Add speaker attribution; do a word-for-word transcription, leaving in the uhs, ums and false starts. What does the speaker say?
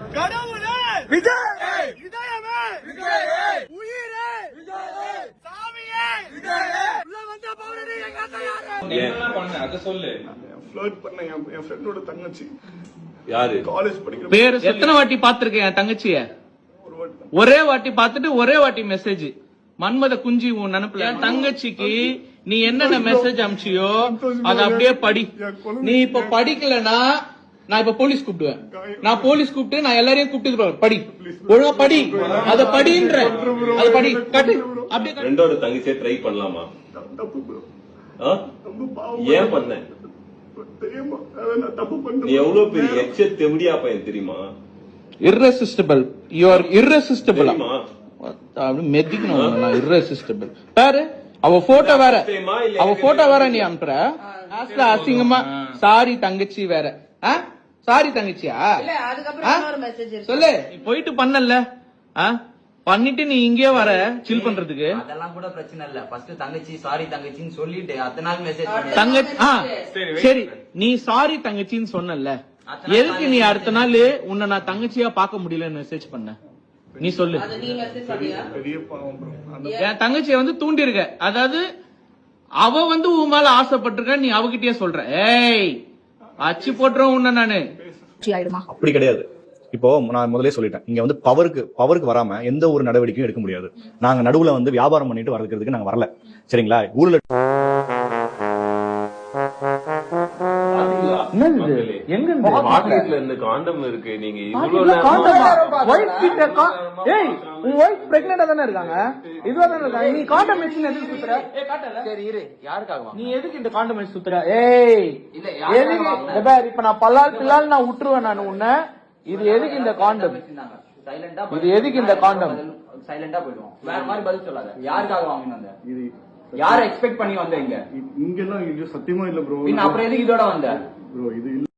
Speaker 1: கடவுளே விஜய், இதயமே விஜய், உயிரே விஜய், சாமியே விஜய், உள்ள வந்த பௌரணி எங்க அத்தை யாரு?
Speaker 2: என்னலாம் பண்ண அத சொல்லு.
Speaker 3: ஃப்ளர்ட் பண்ண என் ஃப்ரெண்டோட தங்கச்சி.
Speaker 2: யாரு?
Speaker 3: காலேஜ் படிக்கிற.
Speaker 4: பேர் எத்தனை வாட்டி பாத்துருக்கேன் என் தங்கச்சிய? ஒரே வாட்டி பாத்துட்டு ஒரே வாட்டி மெசேஜ். மன்மத குஞ்சி உன் நினைப்புல என் தங்கச்சிக்கு நீ என்னென்ன மெசேஜ் அனுப்பிச்சியோ அத அப்படியே படி. நீ இப்ப படிக்கலனா நான் இப்ப போலீஸ் கூப்பிடுவேன். நான் போலீஸ் கூப்பிட்டு நான் எல்லாரையும் கூப்பிட்டு படி, ஒழுங்கா படி, அத படின்ற அத படி கட்டு அப்படியே.
Speaker 2: ரெண்டோட தங்கச்சியை ட்ரை பண்ணலாமா?
Speaker 3: தப்பு ப்ரோ.
Speaker 2: ஏன் பண்ண?
Speaker 3: தெரியுமா நான் தப்பு பண்ணேன்.
Speaker 2: நீ எவ்வளவு பெரிய எச்ச தெவடியா பையன் தெரியுமா?
Speaker 4: irresistible, you are irresistible. மெதிக்கணும் நான் irresistible. பாரு அவ போட்டோ வேற, அவ போட்டோ வேற நீ அனுப்புற. அசிங்கமா சாரி தங்கச்சி வேற. சாரி தங்கச்சியா? சொல்லு. போயிட்டு பண்ணல பண்ணிட்டு நீ இங்கே வர சில் பண்றதுக்கு.
Speaker 5: அதெல்லாம் கூட பிரச்சனை இல்ல. ஃபர்ஸ்ட் தங்கச்சி சாரி தங்கச்சின்னு சொல்லிட்டு அத்தனை நாள் மெசேஜ்
Speaker 4: தங்கச்சி. சரி நீ சாரி தங்கச்சின்னு சொன்னல, எதுக்கு நீ அடுத்த நாள் உன்னை நான் தங்கச்சியா பார்க்க முடியலன்னு மெசேஜ் பண்ண? நீ சொல்லு. என் தங்கச்சிய வந்து தூண்டி இருக்க, அதாவது அவ வந்து உன் மேல ஆசைப்பட்டிருக்க, நீ அவகிட்டயே சொல்ற. ஏய் அச்சு போட்டுறோம் உன்ன நானு.
Speaker 6: அப்படி கிடையாது. இப்போ நான் முதலே சொல்லிட்டேன், இங்க வந்து பவருக்கு பவருக்கு வராம எந்த ஒரு நடவடிக்கையும் எடுக்க முடியாது. நாங்க நடுவுல வந்து வியாபாரம் பண்ணிட்டு வரதுக்கு நாங்க வரல, சரிங்களா? ஊர்ல
Speaker 2: எங்க மார்க்கெட்ல இருந்து காண்டம் இருக்கு. நீங்க இவ்வளவு
Speaker 4: தானே இருக்காங்க, இதுவா தானே இருக்காங்க. நீ காண்டம் வச்சு எதுக்கு சுத்துற? சரி இரு, யாருக்காக நீ எதுக்கு இந்த காண்டம் வச்சு சுத்துற? ஏய் எதுக்கு? இப்ப நான் பல்லால் பில்லால் நான் விட்டுருவேன் நான் உன்ன. இது எதுக்கு இந்த காண்டம்? இது எதுக்கு இந்த காண்டம்?
Speaker 5: சைலண்டா போயிடுவோம். வேற மாதிரி பதில் சொல்லாத. யாருக்காக வாங்கிட்டு வந்த? யார எக்ஸ்பெக்ட் பண்ணி வந்த? இங்க
Speaker 3: இங்கெல்லாம் சத்தியமா இல்ல ப்ரோ.
Speaker 5: அப்புறம் எதுக்கு இதோட வந்த?
Speaker 3: ப்ரோ இது